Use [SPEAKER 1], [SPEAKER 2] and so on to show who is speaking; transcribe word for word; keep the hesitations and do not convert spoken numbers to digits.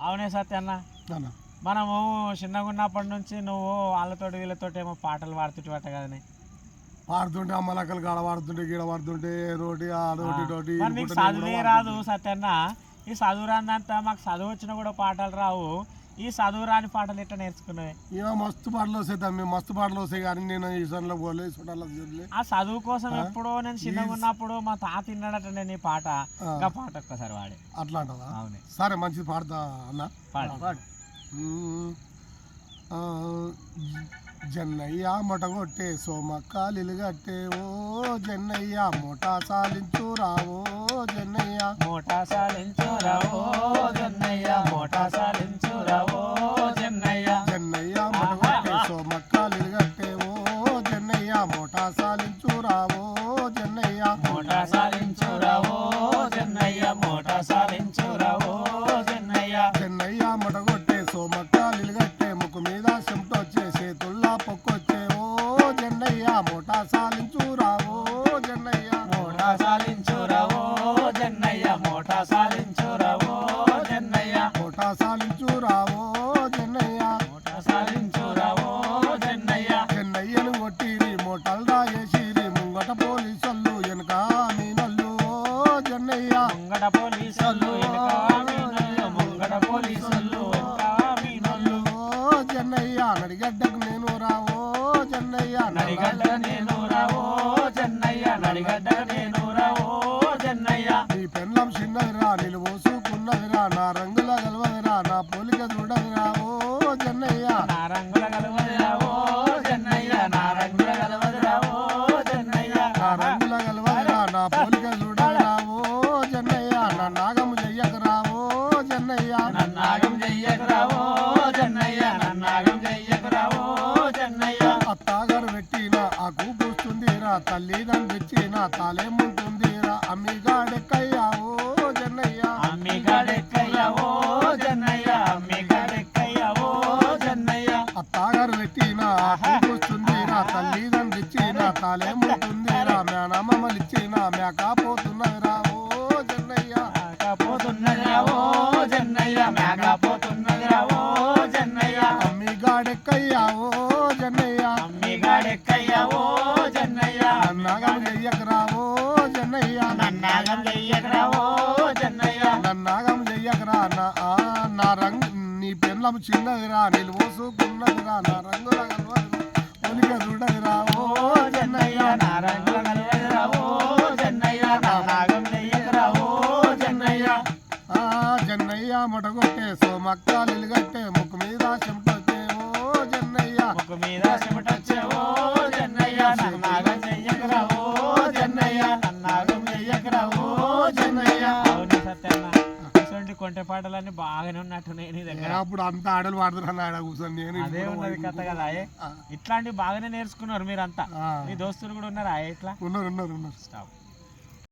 [SPEAKER 1] అవునే సత్యన్న, మనము చిన్నగా ఉన్నప్పటి నుంచి నువ్వు వాళ్ళతో వీళ్ళతో ఏమో పాటలు పాడుతుంటే కదనే.
[SPEAKER 2] పాడుతుంటే అమ్మలక్కలు కాడ పాడుతుంటే గీడ పాడుతుంటే రోటి ఆ రోటి రోటి
[SPEAKER 1] చదువే రాదు సత్యన్న. ఈ చదువు రాందంతా మాకు చదువు వచ్చినా కూడా పాటలు రావు. ఈ చదువు రాని పాటలు ఎట్లా నేర్చుకున్నాయి?
[SPEAKER 2] ఇక మస్తు పాటలు వస్తాయి తమ్మి, మస్తు పాటలు వస్తాయి. కానీ నేను ఈ సన్లో పోలే చుట్టాల
[SPEAKER 1] ఆ చదువు కోసం ఎప్పుడో నేను చిన్నగా ఉన్నప్పుడు మా తాత తిన్నాడట నేను ఈ పాట. ఇంకా పాట ఒక్కసారి వాడే
[SPEAKER 2] అట్లా అంటదా?
[SPEAKER 1] అవునే,
[SPEAKER 2] సరే మంచిది పాడతా అన్న.
[SPEAKER 1] పాడు.
[SPEAKER 2] జన్నయ్య మొటగొట్టే సోమక్కాలిలు గట్టే ఓ జన్నయ్య మోటా సాలించు రావో జన్నయ్య
[SPEAKER 1] మోటా సాలించు రావో జన్నయ్య మోటా సాలించు రావో జన్నయ్య
[SPEAKER 2] జన్నయ్య మొటగొట్టే సోమక్కాలిలు గట్టే ఓ జన్నయ్య మోటా సాలించు రావో జన్నయ్య
[SPEAKER 1] మోటా సాలించు రావో జన్నయ్య మోటా సాలించు రావో జన్నయ్య
[SPEAKER 2] జన్నయ్య మొటగొట్టే సోమక్కాలిలు గట్టే ముక్కు మీద చెమటొచ్చే చేతుల్లా పొక్కొచ్చే ఓ జన్నయ్య మోటా సాలించు రావో జన్నయ్య
[SPEAKER 1] మోటా సాలించు రావో జన్నయ్య మోటా సాలించు రావో జన్నయ్య
[SPEAKER 2] మోటా సాలించు రావో జన్నయ్య
[SPEAKER 1] మోటా సాలించు రావో జన్నయ్య
[SPEAKER 2] జన్నయ్యను కొట్టిరి మోటల్ రాయేసిరి ముంగట పోలీసోళ్ళు వెనక మీనల్లు ఓ జన్నయ్య
[SPEAKER 1] ముంగట పోలీసోళ్ళు వెనక మీనల్లు ముంగట పోలీసోళ్ళు వెనక మీనల్లు
[SPEAKER 2] ఓ జన్నయ్య నడిగడ్డకు నేను రావో జన్నయ్య
[SPEAKER 1] నడిగడ్డ నేను రావో జన్నయ్య నడిగడ్డ నేను రావో జన్నయ్య
[SPEAKER 2] నీ పెన్లం చిన్నదిరా నిలువోసుకున్నదిరా నా రంగుల గెలవదిరా నా పోలిక చూడదిరా ఓ జన్నయ్య
[SPEAKER 1] నా రంగుల గలవదిరా ఓ జన్నయ్య నా రంగుల గలవదిరా ఓ జన్నయ్య
[SPEAKER 2] నా రంగుల గెలవదిరా నా పోలిక చూడదిరా ఓ జన్నయ్య నా నాగము చెయ్యకరా ఓ జన్నయ్య
[SPEAKER 1] నన్నాగం చెయ్యకురా ఓ జన్నయ్య నన్నాగం చెయ్యకురా ఓ జన్నయ్య
[SPEAKER 2] అత్తాగారు పెట్టిన ఆ కూపుస్తుందిరా తల్లి నన్ను తెచ్చిన తాలేముంటుందిరా అమ్మిగాడెక్కయ్యా ఓ జన్నయ్య
[SPEAKER 1] అమ్మి గాడెక్కయ్యా ఓ జన్నయ్య అమ్మి గాడెక్కయ్యా ఓ జన్నయ్య
[SPEAKER 2] అత్తాగారు పెట్టిన ఆ కూపుస్తుందిరా తల్లి నన్ను తెచ్చిన తాలేముంటుందిరా మేనమ్మలిచ్చిన మేకపోతున్నదిరా ఓ జన్నయ్య
[SPEAKER 1] మేకపోతున్నదిరా ఓ జన్నయ్య మేకపోతున్నదిరా ఓ జన్నయ్య
[SPEAKER 2] అమ్మిగాడెక్కయ్యా ఓ జన్నయ్య
[SPEAKER 1] అమ్మి గాడెక్కయ్యా ఓ జన్నయ్య
[SPEAKER 2] నన్నాగం చెయ్యకరా ఓ జన్నయ్య
[SPEAKER 1] నన్నాగం చెయ్యకురా ఓ జన్నయ్య
[SPEAKER 2] నన్నాగం చెయ్యకరా నా ఆ నా రంగు నీ పెన్లం చిన్నదిరా నిలువోసుకున్నదిరా నా రంగుల ఒలిక చూడదిరా ఓ జన్నయ్య
[SPEAKER 1] నా రంగుల గలవదిరా ఓ జన్నయ్య నన్నాగం చెయ్యకురా ఓ జన్నయ్య
[SPEAKER 2] ఆ జన్నయ్య మొటగొట్టే సోమక్కాలిలు గట్టే ముక్కు మీద చెమటొచ్చే ఓ జన్నయ్య
[SPEAKER 1] ముక్కు మీద చెమటొచ్చే ఓ జన్నయ్య నన్నాగం చెయ్యకురా ఓ జన్నయ్య నన్నాగం చెయ్యకురా ఓ జన్నయ్య అవును సత్యన్న, ఇటువంటి కొంటె పాటలన్నీ బాగానే ఉన్నట్టున్నాయి నీ దగ్గర.
[SPEAKER 2] అప్పుడు అంతా ఆడలు పాడుతున్నా ఆడ కూర్చొని నేను
[SPEAKER 1] అదే ఉన్నది కథ కదా. ఇట్లాంటివి బాగానే నేర్చుకున్నారు మీరంతా.
[SPEAKER 2] ఆ.
[SPEAKER 1] మీ దోస్తులు కూడా ఉన్నారా ఇట్లా?
[SPEAKER 2] ఉన్నారు ఉన్నారు ఉన్నారు
[SPEAKER 1] స్టాప్.